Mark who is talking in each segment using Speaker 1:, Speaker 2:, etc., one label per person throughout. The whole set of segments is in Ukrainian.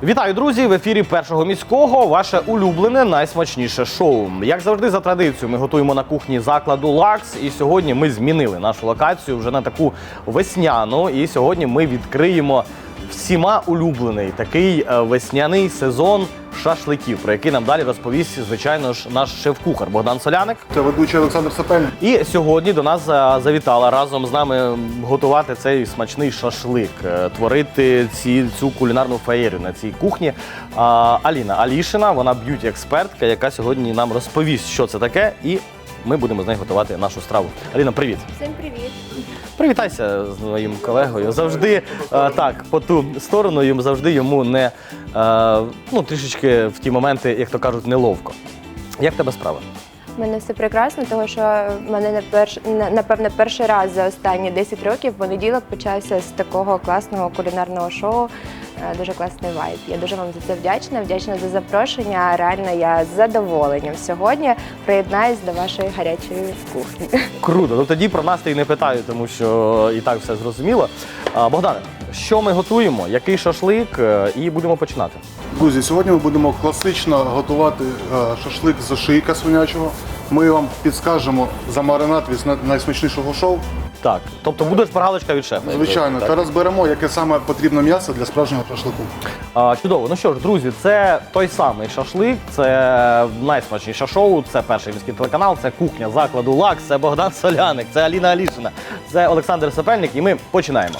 Speaker 1: Вітаю, друзі! В ефірі Першого міського ваше улюблене, найсмачніше шоу. Як завжди, за традицією, ми готуємо на кухні закладу «Лакс». І сьогодні ми змінили нашу локацію вже на таку весняну. І сьогодні ми відкриємо всіма улюблений такий весняний сезон шашликів, про який нам далі розповість, звичайно ж, наш шеф-кухар Богдан Соляник.
Speaker 2: Це ведучий Олександр Сапельник.
Speaker 1: І сьогодні до нас завітала разом з нами готувати цей смачний шашлик, творити цю кулінарну феєрію на цій кухні. Аліна Алішина, вона б'юті-експертка, яка сьогодні нам розповість, що це таке, і ми будемо з нею готувати нашу страву. Аліна, привіт!
Speaker 3: Всім привіт!
Speaker 1: Привітайся з моїм колегою. Завжди так, по ту сторону, завжди йому не, трішечки в ті моменти, як то кажуть, неловко. Як в тебе справа?
Speaker 3: У мене все прекрасно, тому що в мене, напевно, перший раз за останні 10 років понеділок почався з такого класного кулінарного шоу. Дуже класний вайб. Я дуже вам за це вдячна за запрошення. Реально, я з задоволенням сьогодні приєднаюсь до вашої гарячої кухні.
Speaker 1: Круто. Ну тоді про настрій не питаю, тому що і так все зрозуміло. Богдане, що ми готуємо, який шашлик, і будемо починати.
Speaker 2: Друзі, сьогодні ми будемо класично готувати шашлик з ошийка свинячого. Ми вам підскажемо за маринад від найсмачнішого шоу.
Speaker 1: Так, тобто буде шпаргалочка від шефа.
Speaker 2: Звичайно, та розберемо, яке саме потрібне м'ясо для справжнього шашлику.
Speaker 1: Чудово. Ну що ж, друзі, це той самий шашлик, це найсмачніше шоу, це Перший міський телеканал, це кухня закладу «Лакс», це Богдан Соляник, це Аліна Алішина, це Олександр Сапельник, і ми починаємо.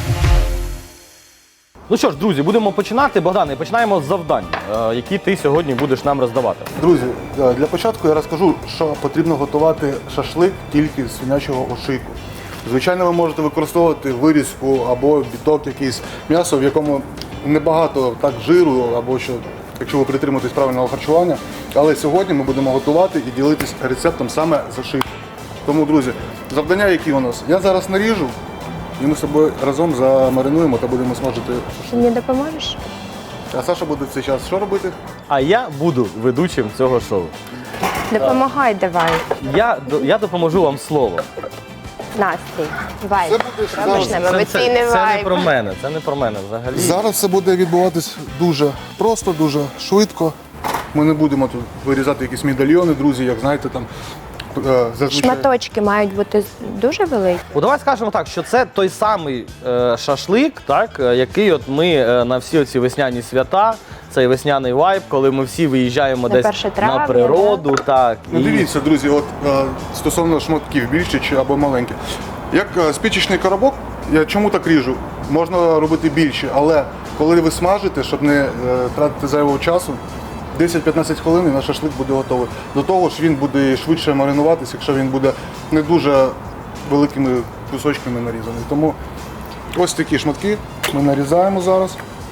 Speaker 1: Ну що ж, друзі, будемо починати. Богдане, починаємо з завдань, які ти сьогодні будеш нам роздавати.
Speaker 2: Друзі, для початку я розкажу, що потрібно готувати шашлик тільки з свинячого ошийку. Звичайно, ви можете використовувати вирізку або біток якийсь, м'ясо, в якому небагато так жиру, або що, якщо ви притримуєтесь правильного харчування. Але сьогодні ми будемо готувати і ділитись рецептом саме з ошийку. Тому, друзі, завдання які у нас? Я зараз наріжу, і ми з собою разом замаринуємо та будемо смажити
Speaker 3: Ти мені допоможеш?
Speaker 2: А Саша буде в цей час що робити?
Speaker 1: А я буду ведучим цього шоу.
Speaker 3: Допомагай давай.
Speaker 1: Я допоможу вам словом.
Speaker 3: Настрій, вайб.
Speaker 2: Це буде
Speaker 3: Робиш
Speaker 2: зараз.
Speaker 3: нам емоційний
Speaker 1: Це не
Speaker 3: вайб.
Speaker 1: про мене, це не про мене взагалі.
Speaker 2: Зараз це буде відбуватись дуже просто, дуже швидко. Ми не будемо тут вирізати якісь медальйони, друзі, як знаєте, там зазвичай.
Speaker 3: Шматочки мають бути дуже великі.
Speaker 1: Давай скажемо так, що це той самий шашлик, так, який от ми на всі оці весняні свята, цей весняний вайб, коли ми всі виїжджаємо
Speaker 3: На
Speaker 1: десь
Speaker 3: 1 травня,
Speaker 1: на природу. Так,
Speaker 2: Ну дивіться, друзі, от стосовно шматків, більші чи або маленькі. Як спічечний коробок, я чому так ріжу? Можна робити більше, але коли ви смажите, щоб не тратити зайвого часу, 10-15 хвилин і наш шашлик буде готовий. До того ж він буде швидше маринуватися, якщо він буде не дуже великими кусочками нарізаний. Тому ось такі шматки ми нарізаємо зараз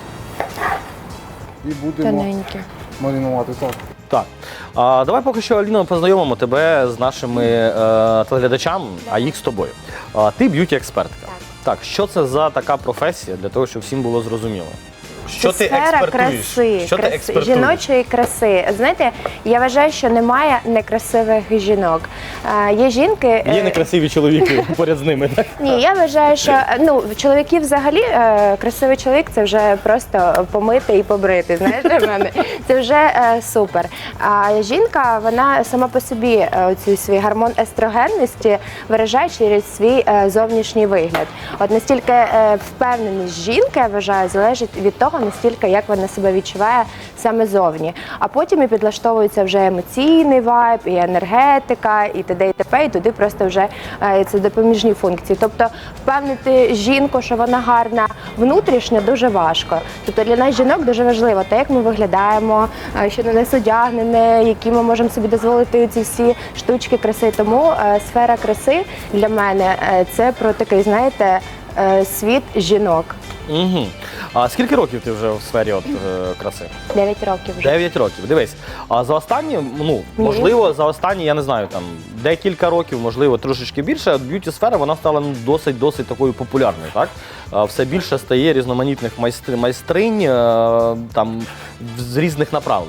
Speaker 2: і будемо
Speaker 3: Тоненькі.
Speaker 2: маринувати. Так.
Speaker 1: Так. Давай поки що, Аліно, познайомимо тебе з нашими телеглядачами, а їх з тобою. Ти б'юті-експертка. Так, що це за така професія, для того, щоб всім було зрозуміло? Що
Speaker 3: Це
Speaker 1: ти
Speaker 3: сфера
Speaker 1: експертуєш?
Speaker 3: краси,
Speaker 1: Що ти експертуєш?
Speaker 3: жіночої краси. Знаєте, я вважаю, що немає некрасивих жінок. Є жінки...
Speaker 1: Є некрасиві чоловіки поряд з ними, так?
Speaker 3: Ні, я вважаю, що чоловіки взагалі, красивий чоловік – це вже просто помити і побрити, знаєш, для мене. Це вже супер. А жінка, вона сама по собі цей свій гормон естрогенності виражає через свій зовнішній вигляд. От настільки впевненість жінки, я вважаю, залежить від того, настільки, як вона себе відчуває саме зовні. А потім і підлаштовується вже емоційний вайб, і енергетика, і т.д. і т.п. І туди просто вже це допоміжні функції. Тобто впевнити жінку, що вона гарна внутрішньо, дуже важко. Тобто для нас жінок дуже важливо те, як ми виглядаємо, що на нас одягнене, які ми можемо собі дозволити ці всі штучки краси. Тому сфера краси для мене це про такий, знаєте, світ жінок.
Speaker 1: Угу. А скільки років ти вже в сфері краси?
Speaker 3: 9 років вже.
Speaker 1: 9 років. Дивись, а за останні, можливо, за останні, я не знаю, там, декілька років, можливо, трошечки більше, б'юті-сфера, вона стала досить такою популярною, так? Все більше стає різноманітних майстринь там, з різних направлень.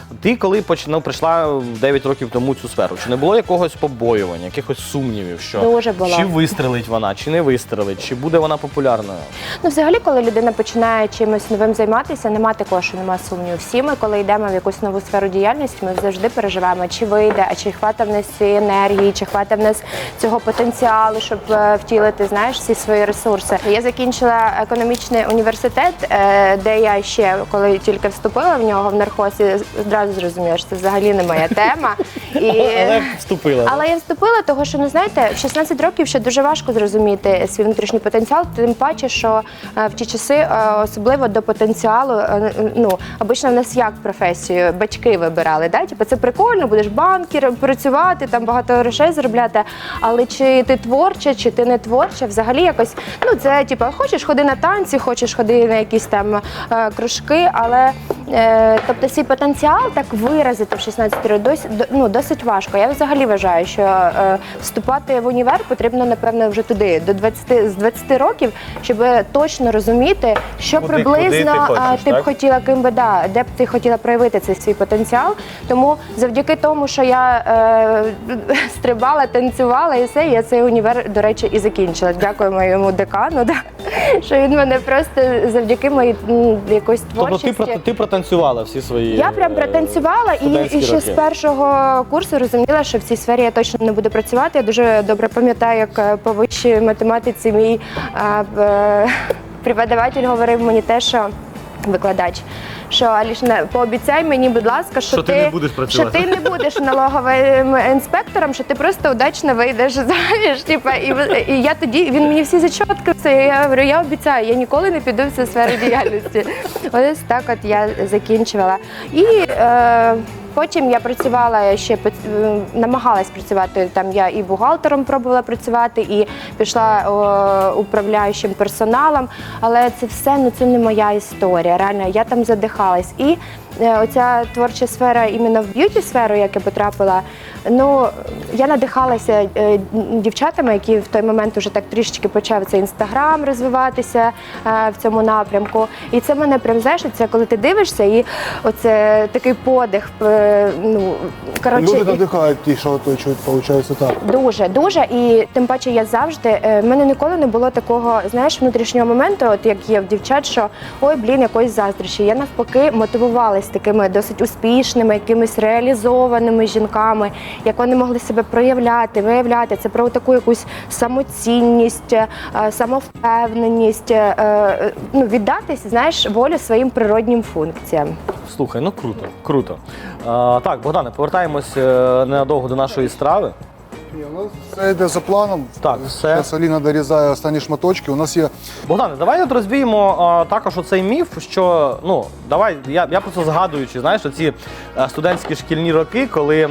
Speaker 1: Ти коли прийшла 9 років тому в цю сферу, чи не було якогось побоювання, якихось сумнівів, що
Speaker 3: Дуже було.
Speaker 1: чи вистрелить вона, чи не вистрелить, чи буде вона популярною?
Speaker 3: Ну, взагалі, коли людина починає чимось новим займатися, нема такого, що нема сумніву. Всі ми, коли йдемо в якусь нову сферу діяльності, ми завжди переживаємо, чи вийде, а чи хватить в нас цієї енергії, чи хватить в нас цього потенціалу, щоб втілити, знаєш, всі свої ресурси. Я закінчила економічний університет, де я ще, коли тільки вступила в нього, в нархозі, одразу зрозуміла, що це взагалі не моя тема.
Speaker 1: Але вступила.
Speaker 3: Але я вступила, тому що, ну знаєте, в 16 років ще дуже важко зрозуміти свій внутрішній потенціал, тим паче, що в ті часи, особливо до потенціалу, ну, обично в нас як професію, батьки вибирали, да? Типу, це прикольно, будеш банкіром працювати, там багато грошей заробляти, але чи ти творча, чи ти не творча, взагалі якось, ну, це, типу, хочеш ходи на танці, хочеш ходи на якісь там кружки, але, тобто, свій потенціал так виразити в 16 років досить важко. Я взагалі вважаю, що вступати в універ потрібно, напевно, вже туди, з 20 років, щоб точно розуміти, що
Speaker 1: Куди
Speaker 3: приблизно ти б
Speaker 1: так?
Speaker 3: хотіла, ким би, де б ти хотіла проявити цей свій потенціал. Тому завдяки тому, що я стрибала, танцювала і все, я цей універ, до речі, і закінчила. Дякую моєму декану, да, що він мене просто завдяки моїй якоїсь творчості.
Speaker 1: Тобто ти протанцювала всі свої
Speaker 3: Я прям протанцювала і ще з першого курсу розуміла, що в цій сфері я точно не буду працювати. Я дуже добре пам'ятаю, як по вищій математиці мій преподаватель говорив мені те, що викладач, що Аліна, пообіцяй мені, будь ласка, що
Speaker 1: ти не будеш працювати.
Speaker 3: що ти не будеш налоговим інспектором, що ти просто удачно вийдеш заміж. Типа, і я тоді, він мені всі зачотки, все, я говорю, я обіцяю, я ніколи не піду в цю сферу діяльності. Ось так от я закінчувала. І потім я працювала ще, намагалась працювати, там я і бухгалтером пробувала працювати, і пішла управляючим персоналом, але це все, ну це не моя історія, реально, я там задихалась. І оця творча сфера, іменно в б'юті-сферу, як я потрапила, ну, я надихалася дівчатами, які в той момент вже так трішечки почав цей інстаграм розвиватися в цьому напрямку. І це мене прям, знаєш, це коли ти дивишся, і оце такий подих, ну, коротше.
Speaker 2: Люди надихають ті, що оточують, виходить так.
Speaker 3: Дуже, дуже. І тим паче я завжди, в мене ніколи не було такого, знаєш, внутрішнього моменту, от як є в дівчат, що ой, блін, якоїсь заздрощі. Я навпаки мотивувалась такими досить успішними, якимись реалізованими жінками, як вони могли себе проявляти, виявляти. Це про таку якусь самоцінність, самовпевненість, ну, віддатись, знаєш, волю своїм природнім функціям.
Speaker 1: Слухай, ну круто, круто. Так, Богдане, повертаємось ненадовго до нашої страви.
Speaker 2: Ні, у нас все йде за планом.
Speaker 1: Так, все.
Speaker 2: Зараз Аліна дорізає останні шматочки. У нас є
Speaker 1: Богдане, давай от розвіємо також оцей міф, що, ну, давай, я просто згадуючи, знаєш, оці студентські шкільні роки, коли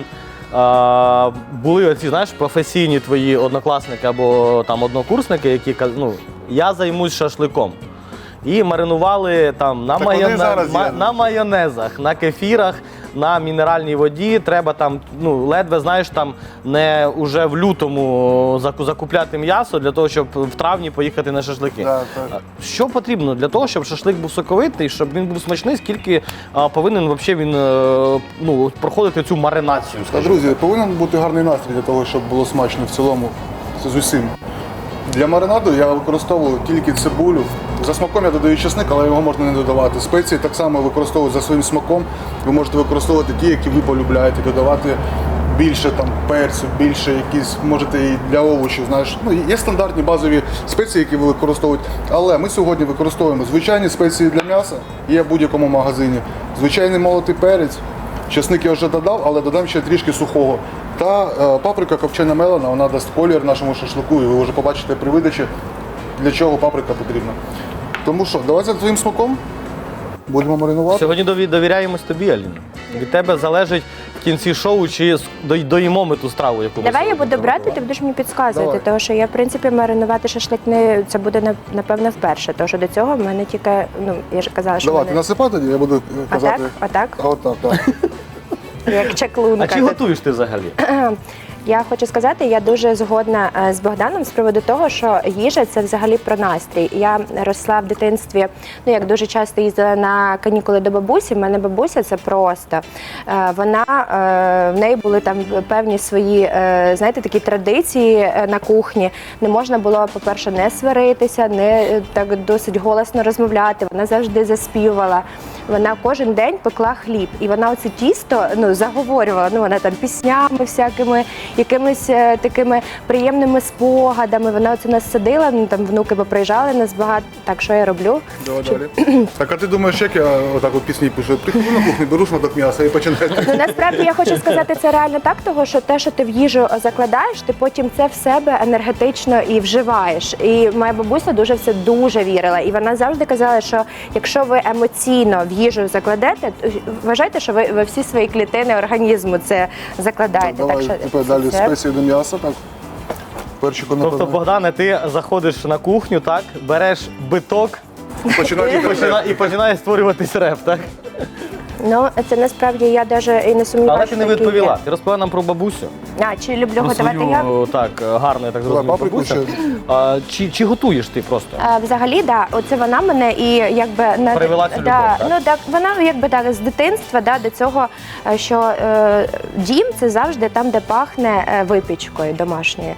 Speaker 1: були оці, знаєш, професійні твої однокласники або там однокурсники, які кажуть, ну, я займусь шашликом. І маринували там на майонезах, на кефірах, на мінеральній воді. Треба там, ну, ледве, знаєш, там не уже в лютому закупляти м'ясо для того, щоб в травні поїхати на шашлики.
Speaker 2: Да, так.
Speaker 1: Що потрібно для того, щоб шашлик був соковитий, щоб він був смачний, скільки повинен взагалі він ну, проходити цю маринацію?
Speaker 2: Друзі, повинен бути гарний настрій для того, щоб було смачно в цілому з усім. Для маринаду я використовую тільки цибулю. За смаком я додаю чесник, але його можна не додавати. Спеції так само використовую за своїм смаком. Ви можете використовувати ті, які ви полюбляєте, додавати більше там перцю, більше якісь, можете і для овочів, знаєш. Ну, є стандартні базові спеції, які ви використовуєте. Але ми сьогодні використовуємо звичайні спеції для м'яса, є в будь-якому магазині. Звичайний молотий перець, чесник я вже додав, але додам ще трішки сухого. Та паприка копчена мелена, вона дасть колір нашому шашлику, і ви вже побачите при видачі, для чого паприка потрібна. Тому що, давай за твоїм смаком будемо маринувати.
Speaker 1: Сьогодні довіряємось тобі, Аліна. Від тебе залежить в кінці шоу, чи доїмо ми ту страву, яку ми
Speaker 3: Давай я
Speaker 1: сьогодні
Speaker 3: буду брати, ти
Speaker 1: приготували.
Speaker 3: будеш мені підказувати,
Speaker 2: Давай.
Speaker 3: тому що я, в принципі, маринувати шашлик це буде, напевно, вперше, тому що до цього в мене тільки, ну, я ж казала, що в
Speaker 2: Давай, ти
Speaker 3: мене...
Speaker 2: насипай тоді, я буду казати.
Speaker 3: Отак?
Speaker 2: А отак, так.
Speaker 3: Як чаклунка.
Speaker 1: А чи готуєш ти взагалі?
Speaker 3: Я хочу сказати, я дуже згодна з Богданом з приводу того, що їжа це взагалі про настрій. Я росла в дитинстві, ну як дуже часто їздила на канікули до бабусі. В мене бабуся це просто. Вона в неї були там певні свої, знаєте, такі традиції на кухні. Не можна було, по-перше, не сваритися, не так досить голосно розмовляти. Вона завжди заспівала. Вона кожен день пекла хліб, і вона оце тісто заговорювала. Вона там піснями всякими, якимись такими приємними спогадами. Вона оце нас садила, там внуки поприїжджали нас багато. Так, що я роблю?
Speaker 2: Давай далі. Так, а ти думаєш, як я отак от пісні пишу? Приходжу на кухню, беру шматок м'яса і починаю.
Speaker 3: Насправді я хочу сказати, це реально так, того що те, що ти в їжу закладаєш, ти потім це в себе енергетично і вживаєш. І моя бабуся дуже в це дуже вірила. І вона завжди казала, що якщо ви емоційно в їжу закладете, вважайте, що ви всі свої клітини організму це закладаєте.
Speaker 2: Давай, тепер далі спеції до м'яса, так. Перчику,
Speaker 1: Тобто,
Speaker 2: напевно.
Speaker 1: Богдане, ти заходиш на кухню, так, береш биток і починає створюватись реп, так?
Speaker 3: Ну, це насправді я навіть і не сумніваюся.
Speaker 1: Але ти не
Speaker 3: що таке є.
Speaker 1: відповіла. Ти розповіла нам про бабусю.
Speaker 3: Чи люблю
Speaker 1: Про
Speaker 3: готувати я?
Speaker 1: свою, так, гарно, я так зрозумів,
Speaker 2: паприку
Speaker 1: бабуся. Чи готуєш ти просто?
Speaker 3: Взагалі, да, оце вона мене і якби
Speaker 1: Привела цю любов,
Speaker 3: да,
Speaker 1: так?
Speaker 3: ну так вона якби так з дитинства до цього, що дім це завжди там, де пахне випічкою домашньою.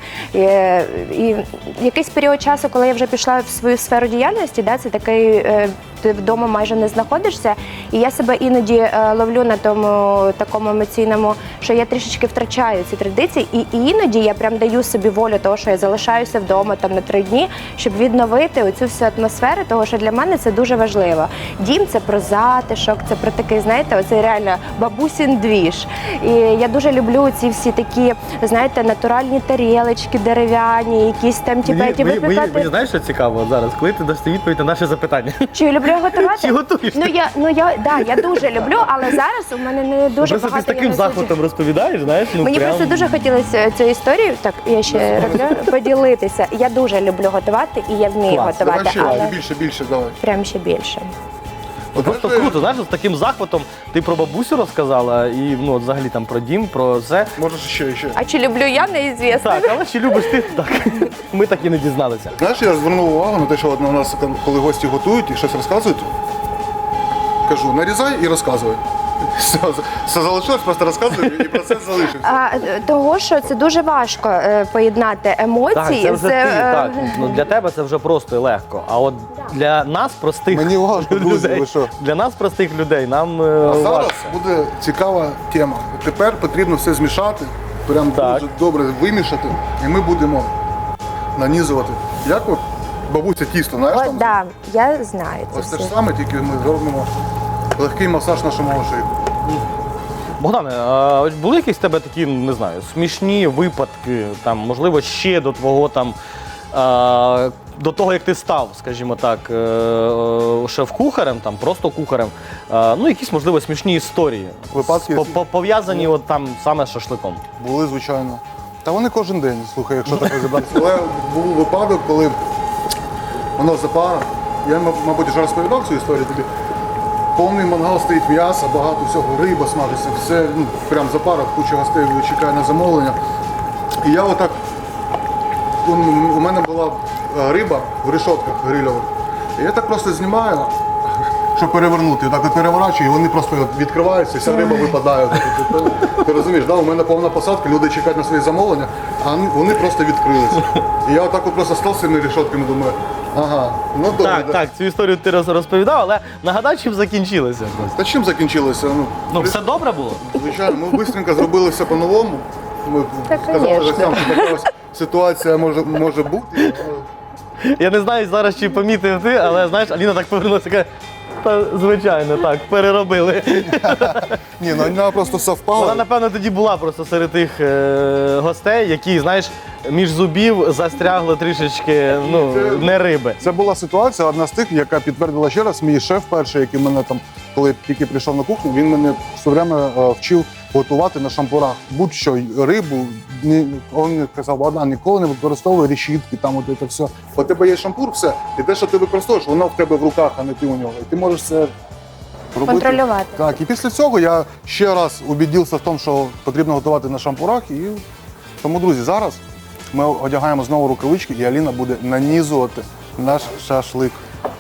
Speaker 3: І якийсь період часу, коли я вже пішла в свою сферу діяльності, да, це такий. Ти вдома майже не знаходишся, і я себе іноді ловлю на тому такому емоційному, що я трішечки втрачаю ці традиції, і іноді я прям даю собі волю того, що я залишаюся вдома там на 3 дні, щоб відновити оцю всю атмосферу, того, що для мене це дуже важливо. Дім це про затишок, це про такий, знаєте, оцей реально бабусін двіж. І я дуже люблю ці всі такі, знаєте, натуральні тарілочки дерев'яні, якісь там ті випікати.
Speaker 1: Мені знаєш, що цікаво зараз, коли ти дасти відповідь на наше запитання?
Speaker 3: Чи люблю готувати?
Speaker 1: Чи готуєш?
Speaker 3: Я дуже люблю, але зараз у мене не дуже
Speaker 1: Просто ти
Speaker 3: багато.
Speaker 1: з таким захватом розповідаєш, знаєш? Ну,
Speaker 3: Мені
Speaker 1: прям...
Speaker 3: просто дуже хотілося цю історію, так я ще роблю, поділитися. Я дуже люблю готувати і я вмію
Speaker 1: Клас.
Speaker 3: готувати,
Speaker 2: Давай ще,
Speaker 3: але
Speaker 2: більше, давай.
Speaker 3: прям ще більше.
Speaker 1: Просто круто, знаєш, з таким захватом ти про бабусю розказала і от взагалі там про дім, про все.
Speaker 2: Можеш ще.
Speaker 3: А чи люблю я, неізвісно.
Speaker 1: Так, але чи любиш ти? Так. Ми так і не дізналися.
Speaker 2: Знаєш, я звернув увагу на те, що от у нас, коли гості готують і щось розказують, кажу, нарізай і розказуй. Все залишилось, просто розказуй і процес залишився.
Speaker 3: Того, що це дуже важко поєднати
Speaker 1: Так,
Speaker 3: емоції
Speaker 1: це вже ти, так.
Speaker 3: з...
Speaker 1: Ну, для тебе це вже просто і легко. А от для нас, простих
Speaker 2: Мені важко, друзі,
Speaker 1: людей,
Speaker 2: ви що?
Speaker 1: для нас, простих людей, нам
Speaker 2: А зараз
Speaker 1: важко.
Speaker 2: буде цікава тема. Тепер потрібно все змішати, прям
Speaker 1: Так.
Speaker 2: дуже добре вимішати, і ми будемо нанізувати. Як от бабуся тісто, знаєш там?
Speaker 3: Да, я знаю це
Speaker 2: Ось те
Speaker 3: все.
Speaker 2: ж саме, тільки ми зробимо легкий масаж нашому ошейку.
Speaker 1: Богдане, а ось були якісь в тебе такі, не знаю, смішні випадки, там, можливо, ще до твого там, до того, як ти став, скажімо так, шеф-кухарем, там, просто кухарем, ну, якісь, можливо, смішні історії,
Speaker 2: Випадки?
Speaker 1: пов'язані от там саме з шашликом.
Speaker 2: Були, звичайно. Та вони кожен день, слухай, якщо так розібратися. Але був випадок, коли у нас запара. Я, мабуть, вже розповідав цю історію тобі. Повний мангал стоїть м'яса, багато всього, риба смажиться, все, прям запара, куча гостей чекає на замовлення. І я отак, у мене була риба в решотках грильових. І я так просто знімаю, щоб перевернути, так от переворачую, і вони просто відкриваються, вся риба випадає. Ти розумієш, да? У мене повна посадка, люди чекають на свої замовлення, а вони просто відкрилися. І я отак от просто став з цими решотками, думаю, ага, ну добре.
Speaker 1: Так,
Speaker 2: да.
Speaker 1: так, цю історію ти розповідав, але нагадай, чим закінчилося.
Speaker 2: Та чим закінчилося?
Speaker 1: Ну, все добре було?
Speaker 2: Звичайно, ми швидко зробили все по-новому. Ми
Speaker 3: Так,
Speaker 2: сказали
Speaker 3: конечно.
Speaker 2: гостям, що така ось ситуація може бути.
Speaker 1: Я не знаю зараз, чи помітив ти, але знаєш, Аліна так повернулася, каже, та звичайно, так, переробили.
Speaker 2: Ні, ну вона просто совпала.
Speaker 1: Вона, напевно, тоді була просто серед тих гостей, які, знаєш, між зубів застрягли трішечки, ну, не риби.
Speaker 2: Це була ситуація, одна з тих, яка підтвердила ще раз, мій шеф перший, який мене там, коли тільки прийшов на кухню, він мене все время вчив готувати на шампурах. Будь-що, рибу, він казав, Богдан, ніколи не використовуй решітки, там от це все. У тебе є шампур, все, і те, що ти використовуєш, воно в тебе в руках, а не ти у нього. І ти можеш це робити.
Speaker 3: Контролювати.
Speaker 2: Так, і після цього я ще раз убедився в тому, що потрібно готувати на шампурах, і Тому, друзі, зараз ми одягаємо знову рукавички, і Аліна буде нанізувати наш шашлик.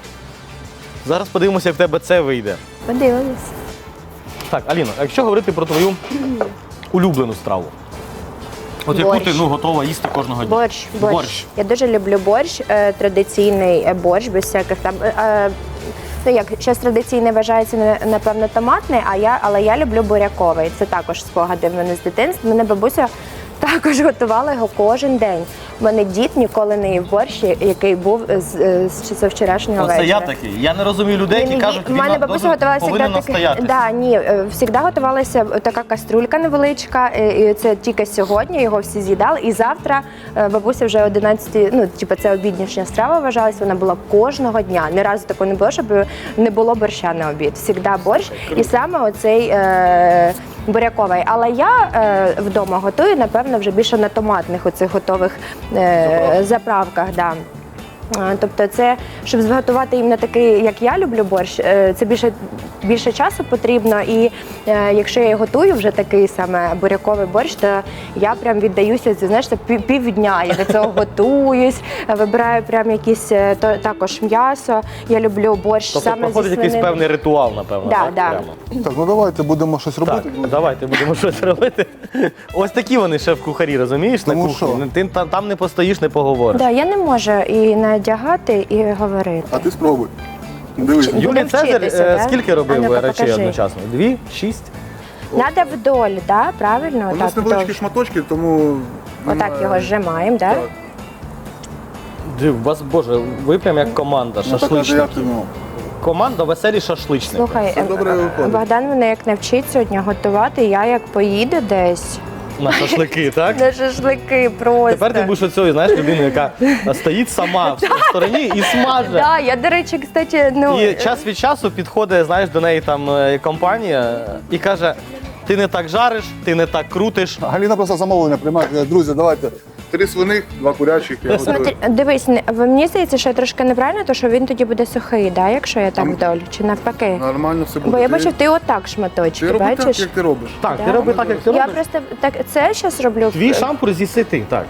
Speaker 1: Зараз подивимося, як в тебе це вийде.
Speaker 3: Подивимось.
Speaker 1: Так, Аліно, а якщо говорити про твою улюблену страву, от яку
Speaker 3: Борщ.
Speaker 1: ти готова їсти кожного дня?
Speaker 3: Борщ. Я дуже люблю борщ, традиційний борщ, без всяких там. Ну як, щось традиційне вважається, напевно, томатний, але я люблю буряковий. Це також спогади в мене з дитинства. Мене бабуся також готувала його кожен день. У мене дід ніколи не їв борщ, який був з вчорашнього
Speaker 1: Оце
Speaker 3: вечора.
Speaker 1: я такий. Я не розумію людей, які кажуть,
Speaker 3: У мене
Speaker 1: війна
Speaker 3: бабуся готувалася
Speaker 1: повинна
Speaker 3: завжди
Speaker 1: настояти.
Speaker 3: Да, ні, завжди готувалася така каструлька невеличка, і це тільки сьогодні, його всі з'їдали. І завтра бабуся вже 11, ну, типу, це обіднішня страва вважалася, вона була кожного дня. Ні разу такого не було, щоб не було борща на обід. Всігда борщ. І саме оцей буряковий. Але я вдома готую, напевно, вже більше на томатних оцих готових заправках. Да. Тобто це, щоб зготувати іменно такий, як я люблю борщ, це більше часу потрібно. І якщо я готую вже такий саме буряковий борщ, то я прям віддаюся, знаєш, це півдня. Я до цього готуюсь, вибираю прям якісь також м'ясо. Я люблю борщ
Speaker 1: Тобто
Speaker 3: саме зі
Speaker 1: проходить якийсь
Speaker 3: свинини.
Speaker 1: певний ритуал, напевно.
Speaker 3: Да,
Speaker 1: так?
Speaker 3: да.
Speaker 1: Прямо.
Speaker 2: Так, ну давайте будемо щось робити.
Speaker 1: Так, давайте будемо щось робити. Ось такі вони шеф-кухарі, розумієш, на
Speaker 2: Тому
Speaker 1: кухні.
Speaker 2: що?
Speaker 1: Ти там не постоїш, не поговориш.
Speaker 3: Да, я не можу і надягати, і говорити.
Speaker 2: А ти спробуй. Дивись.
Speaker 3: Будемо
Speaker 1: Юлій Цезар
Speaker 3: вчитися, да?
Speaker 1: скільки
Speaker 3: А
Speaker 1: робив
Speaker 3: ну-ка,
Speaker 1: речей
Speaker 3: покажи.
Speaker 1: одночасно? 2? 6?
Speaker 3: Надо вдоль, да? Правильно?
Speaker 2: У нас
Speaker 3: Отак,
Speaker 2: невеличкі
Speaker 3: вдоль.
Speaker 2: шматочки, тому...
Speaker 3: Отак його зжимаємо, да?
Speaker 2: Так.
Speaker 1: Див, вас, Боже, ви прям як команда
Speaker 2: Ну, так, як
Speaker 1: шашличників.
Speaker 2: ти, ну.
Speaker 1: Команда веселі шашличники.
Speaker 3: Слухай,
Speaker 2: Все добре виходить.
Speaker 3: Богдан мене як навчить сьогодні готувати, я як поїду десь
Speaker 1: На шашлики, так?
Speaker 3: на шашлики просто.
Speaker 1: Тепер ти будеш оцею, знаєш, людиною, яка стоїть сама в стороні і смаже.
Speaker 3: Да, я, до речі, кстати, ну...
Speaker 1: І час від часу підходить, знаєш, до неї там компанія і каже: ти не так жариш, ти не так крутиш.
Speaker 2: Галіна просто замовлення приймає. Каже, друзі, давайте 3 свиних, 2 курячих, я готую.
Speaker 3: Смотри, дивись, мені здається, що трошки неправильно, то що він тоді буде сухий, да, якщо я так вдоль, чи навпаки?
Speaker 2: Нормально все буде.
Speaker 3: Бо я
Speaker 2: Ти-
Speaker 3: бачив, ти отак шматочки,
Speaker 2: Ти роби так,
Speaker 3: бачиш?
Speaker 2: як ти робиш.
Speaker 1: Так,
Speaker 3: Да.
Speaker 1: ти роби так, як ти
Speaker 3: Я
Speaker 1: робиш.
Speaker 3: просто так це зараз роблю.
Speaker 1: Твій шампур з'їси ти, так.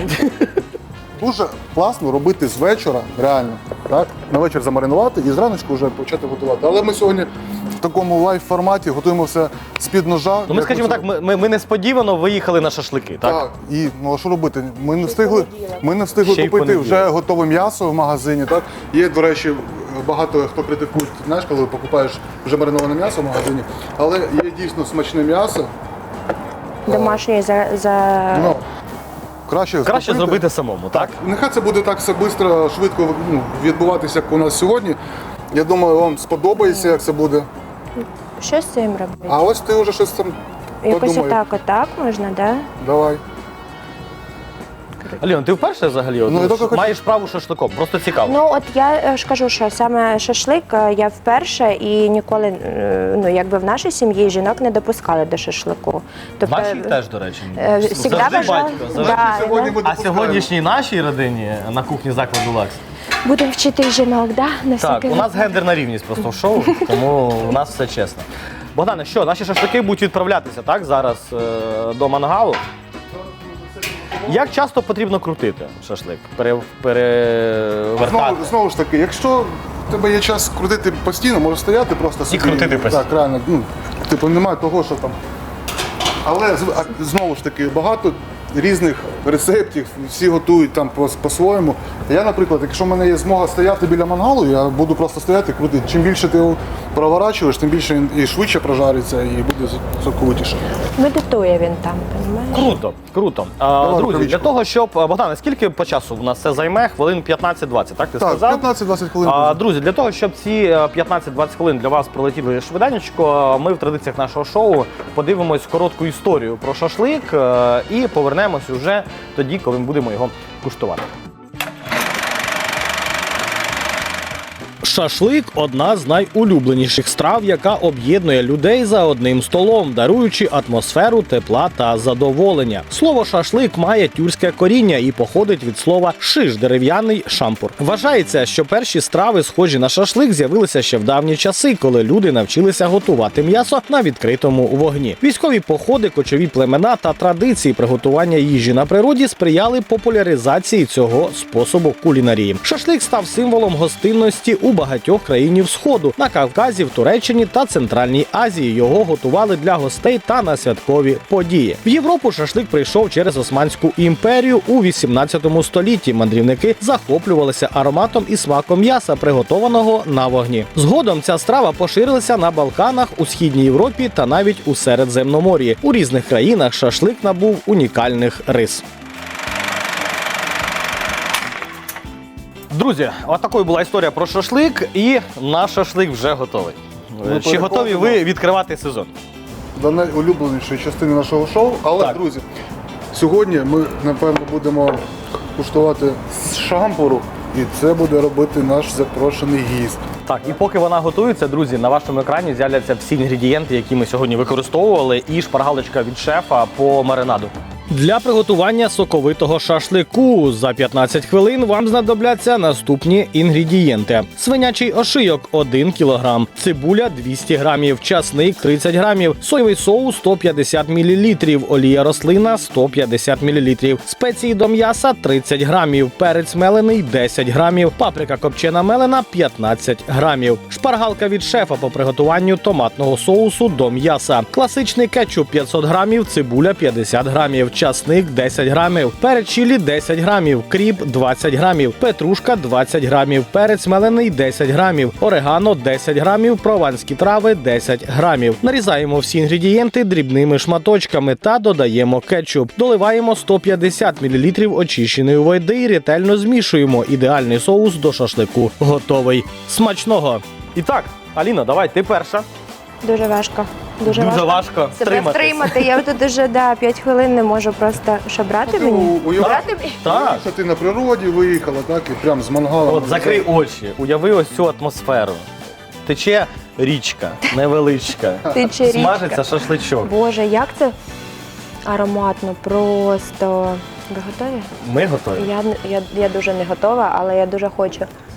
Speaker 2: Дуже класно робити з вечора, реально. Так? На вечір замаринувати і зраночку вже почати готувати. Але ми сьогодні в такому лайв-форматі готуємо все з-під ножа.
Speaker 1: Ну ми
Speaker 2: Як
Speaker 1: скажімо
Speaker 2: оце.
Speaker 1: так, ми несподівано виїхали на шашлики, так?
Speaker 2: Так, і ну а що робити? Ми не встигли
Speaker 1: Ще й
Speaker 2: купити
Speaker 1: понеділок.
Speaker 2: вже готове м'ясо в магазині. Так? Є, до речі, багато хто критикує, знаєш, коли покупаєш вже мариноване м'ясо в магазині, але є дійсно смачне м'ясо.
Speaker 3: Домашній
Speaker 2: Ну, краще
Speaker 1: Краще
Speaker 2: купити.
Speaker 1: зробити самому, так?
Speaker 2: Нехай це буде так все швидко, швидко відбуватися, як у нас сьогодні. Я думаю, вам сподобається, як це буде.
Speaker 3: Що з цим робити?
Speaker 2: А ось ти вже щось там
Speaker 3: Якось
Speaker 2: подумай.
Speaker 3: отак можна, да?
Speaker 2: Давай.
Speaker 1: Альон, ти вперше взагалі
Speaker 2: Ну, я тільки хочу-
Speaker 1: маєш справу шашликом? Просто цікаво.
Speaker 3: Ну от я ж кажу, що саме шашлик я вперше і ніколи, ну якби в нашій сім'ї жінок не допускали до шашлику. Тобто,
Speaker 1: Нашій теж, до речі.
Speaker 3: всегда
Speaker 1: Завжди
Speaker 3: вважала-
Speaker 1: батько.
Speaker 3: Да,
Speaker 1: завжди.
Speaker 2: Сьогодні
Speaker 3: да.
Speaker 2: ми
Speaker 1: А
Speaker 2: допускаємо.
Speaker 1: сьогоднішній нашій родині на кухні закладу Лакс.
Speaker 3: Будемо вчити жінок, да? На
Speaker 1: Так,
Speaker 3: всякий
Speaker 1: у нас гендерна рівність просто в шоу, тому у нас все чесно. Богдане, що, наші шашлики будуть відправлятися, так, зараз до мангалу. Як часто потрібно крутити шашлик? Перевертати?
Speaker 2: Знову ж таки, якщо в тебе є час крутити постійно, можеш стояти просто собі.
Speaker 1: крутити постійно.
Speaker 2: Так, реально. Ну, типу, немає того, що там. Але знову ж таки, багато різних рецептів, всі готують там по-своєму. Я, наприклад, якщо в мене є змога стояти біля мангалу, я буду просто стояти і крутити. Чим більше ти його проворачуєш, тим більше він і швидше прожариться, і буде соковитіше.
Speaker 3: Медитує він там, розумієш?
Speaker 1: Круто, круто. Друзі,
Speaker 2: рукавичку.
Speaker 1: для того, щоб. Богдане, скільки по часу в нас це займе? Хвилин 15-20, так ти
Speaker 2: Так,
Speaker 1: сказав?
Speaker 2: 15-20 хвилин.
Speaker 1: Друзі, для того, щоб ці 15-20 хвилин для вас пролетіли швиденько, ми в традиціях нашого шоу подивимось коротку історію про шашлик і повернемось уже тоді, коли ми будемо його куштувати. Шашлик – одна з найулюбленіших страв, яка об'єднує людей за одним столом, даруючи атмосферу тепла та задоволення. Слово «шашлик» має тюркське коріння і походить від слова «шиш» – дерев'яний шампур. Вважається, що перші страви, схожі на шашлик, з'явилися ще в давні часи, коли люди навчилися готувати м'ясо на відкритому вогні. Військові походи, кочові племена та традиції приготування їжі на природі сприяли популяризації цього способу кулінарії. Шашлик став символом гостинності у багатьох країнів Сходу, на Кавказі, в Туреччині та Центральній Азії. Його готували для гостей та на святкові події. В Європу шашлик прийшов через Османську імперію у 18 столітті. Мандрівники захоплювалися ароматом і смаком м'яса, приготованого на вогні. Згодом ця страва поширилася на Балканах, у Східній Європі та навіть у Середземномор'ї. У різних країнах шашлик набув унікальних рис. Друзі, от такою була історія про шашлик, і наш шашлик вже готовий. Чи готові ви відкривати сезон?
Speaker 2: До найулюбленішої частини нашого шоу. Але,
Speaker 1: Так.
Speaker 2: друзі, сьогодні ми, напевно, будемо куштувати з шампуру, і це буде робити наш запрошений гість.
Speaker 1: Так, і поки вона готується, друзі, на вашому екрані з'являться всі інгредієнти, які ми сьогодні використовували, і шпаргалочка від шефа по маринаду. Для приготування соковитого шашлику за 15 хвилин вам знадобляться наступні інгредієнти. Свинячий ошийок – 1 кг, цибуля – 200 г, часник – 30 г, соєвий соус – 150 мл, олія рослина – 150 мл, спеції до м'яса – 30 г, перець мелений – 10 г, паприка копчена мелена – 15 г, шпаргалка від шефа по приготуванню томатного соусу до м'яса, класичний кетчуп – 500 г, цибуля – 50 г, часник 10 грамів, перець чилі 10 грамів, кріп 20 грамів, петрушка 20 грамів, перець мелений 10 грамів, орегано 10 грамів, прованські трави 10 грамів. Нарізаємо всі інгредієнти дрібними шматочками та додаємо кетчуп. Доливаємо 150 мл очищеної води і ретельно змішуємо. Ідеальний соус до шашлику готовий. Смачного! І так, Аліна, давай, ти перша.
Speaker 3: Дуже важко.
Speaker 1: Дуже важко
Speaker 3: Себе втримати. Я тут уже 5 хвилин не можу просто. Що, брати мені? Брати мені?
Speaker 1: Так.
Speaker 2: Що ти на природі виїхала, так, і прям з мангалом.
Speaker 1: От закрий очі, уяви ось цю атмосферу. Тече річка, невеличка.
Speaker 3: Тече річка.
Speaker 1: Смажиться шашличок.
Speaker 3: Боже, як це ароматно, просто. Ви готові?
Speaker 1: Ми готові.
Speaker 3: Я дуже не готова, але я дуже хочу.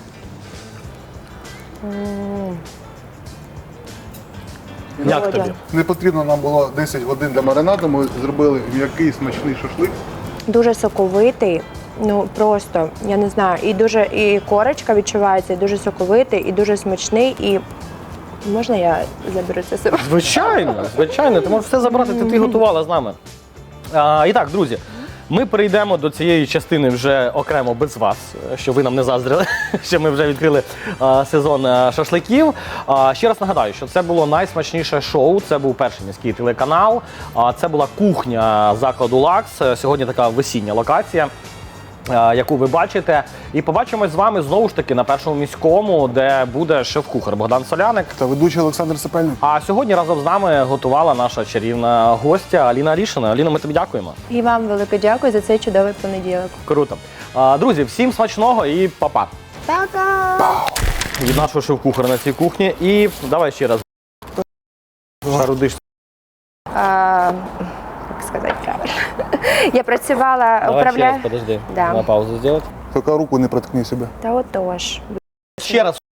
Speaker 1: Як
Speaker 3: Володя.
Speaker 1: тобі?
Speaker 2: Не потрібно нам було 10 годин для маринаду, ми зробили м'який смачний шашлик.
Speaker 3: Дуже соковитий, ну просто, я не знаю, і корочка відчувається, і дуже соковитий, і дуже смачний, і можна я заберу це себе?
Speaker 1: Звичайно, ти можеш все забрати, ти готувала з нами. І так, друзі, ми перейдемо до цієї частини вже окремо без вас, щоб ви нам не заздрили, що ми вже відкрили сезон шашликів. Ще раз нагадаю, що це було найсмачніше шоу, це був перший міський телеканал, це була кухня закладу «Лакс», сьогодні така весіння локація, яку ви бачите. І побачимось з вами знову ж таки на першому міському, де буде шеф-кухар Богдан Соляник.
Speaker 2: Та ведучий Олександр Сапельник.
Speaker 1: А сьогодні разом з нами готувала наша чарівна гостя Аліна Рішина. Аліна, ми тобі дякуємо.
Speaker 3: І вам велике дякую за цей чудовий понеділок.
Speaker 1: Круто. Друзі, всім смачного і па-па.
Speaker 3: Пока!
Speaker 1: Від нашого шеф-кухаря на цій кухні. І давай ще раз. Шарудиш.
Speaker 3: Як сказати правильно? Я працювала,
Speaker 1: Давай ще раз,
Speaker 3: управляю.
Speaker 1: подожди.
Speaker 3: Да.
Speaker 1: На паузу зробити.
Speaker 2: Тільки руку не проткни себе.
Speaker 3: Та отож.
Speaker 1: Ще раз.